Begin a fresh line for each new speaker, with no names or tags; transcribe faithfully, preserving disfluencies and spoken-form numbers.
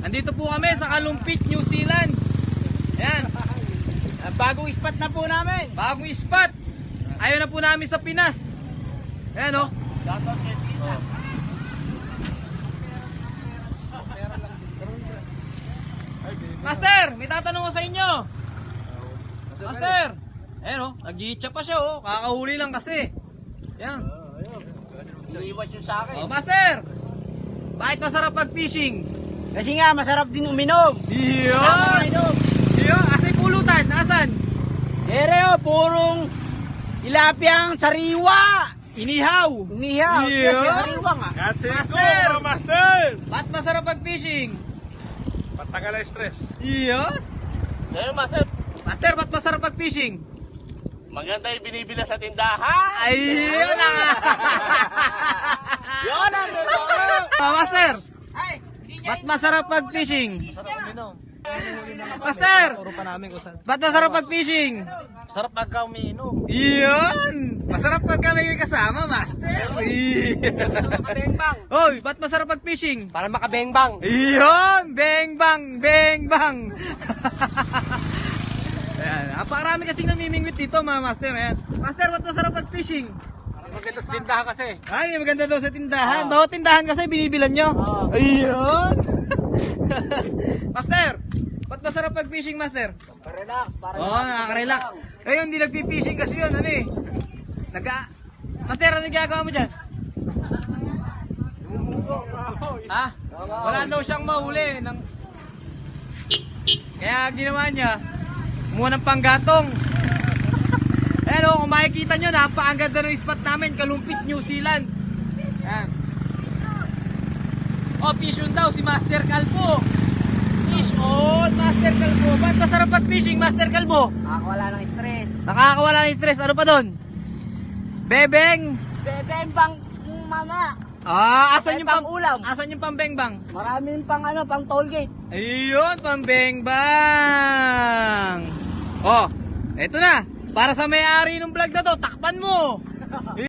Andito po kami sa Kalumpit, New Zealand. Ayan.
Bagong spot na po namin.
Bagong spot. Ayaw na po namin sa Pinas. Ayan o. Oh. Master, may tatanong ko sa inyo. Master. Ayan o, nag-iitsa pa siya o. Kakahuli lang kasi. Ayan.
Iniiwas nyo sa akin.
Oh, Master. Bakit masarap pag-fishing?
Kasi nga, masarap din uminom.
Iyo.
Kasama uminom.
Iyo, asay pulutan. Asan?
Ere o, purong tilapiyang sariwa.
Inihaw.
Umihaw.
Iyo.
Kasi sariwa nga.
That's it,
Master!
go, master!
Ba't masarap pag-fishing?
Patagal ang stress.
Iyo.
Pero master,
Master, ba't masarap pag-fishing?
maganda yung binibila sa tindahan.
Ayun na.
Yun ang totoo.
Ah, Master,
Ay, hindi niya
ba't masarap pag-fishing?
Sarap uminom.
Master,
Turo pa namin kung saan.
ba't masarap pag-fishing?
Sarap pagka umiinom.
Iyon! Masarap pag kami may kasama, Master. Iyon.
Makabengbang.
Hoy, ba't masarap pag-fishing?
Para makabengbang.
Iyon! Beng bang! Beng bang! Ayan, napakarami kasing namimingwit dito mga master. Ayan. Master, ba't masarap pag-fishing?
Maganda sa tindahan kasi.
Ay, may maganda daw sa tindahan. Bawat tindahan kasi binibilan nyo.
Oo.
Ayun! Master, ba't masarap pag-fishing, Master?
Relax. Para
Oo, oh, nakaka-relax. Ngayon, hindi nagpi-fishing kasi yun. Ano eh? Naga... Master, ano ginagawa mo dyan? Ha? Wala daw siyang mahuli. Ng... Kaya ginawa niya, muna ng panggatong. Ayan o, kung makikita nyo, napakaganda ng spot namin, Kalumpit, New Zealand. Ayan. O, fish on daw si Master Calvo. Fish on, Master Calvo. Ba't masarap pag-fishing, Master Calvo?
Nakakawala ng stress.
Nakakawala ng stress. Ano pa doon? Bebeng.
Bebembang mama.
Ah, asan yung
Bebang
pang
ulam.
Asan yung pambengbang?
Maraming pang ano, pang toll gate.
Ayun, pambengbang. Oh, eto na. Para sa may-ari ng vlog na to, takpan mo.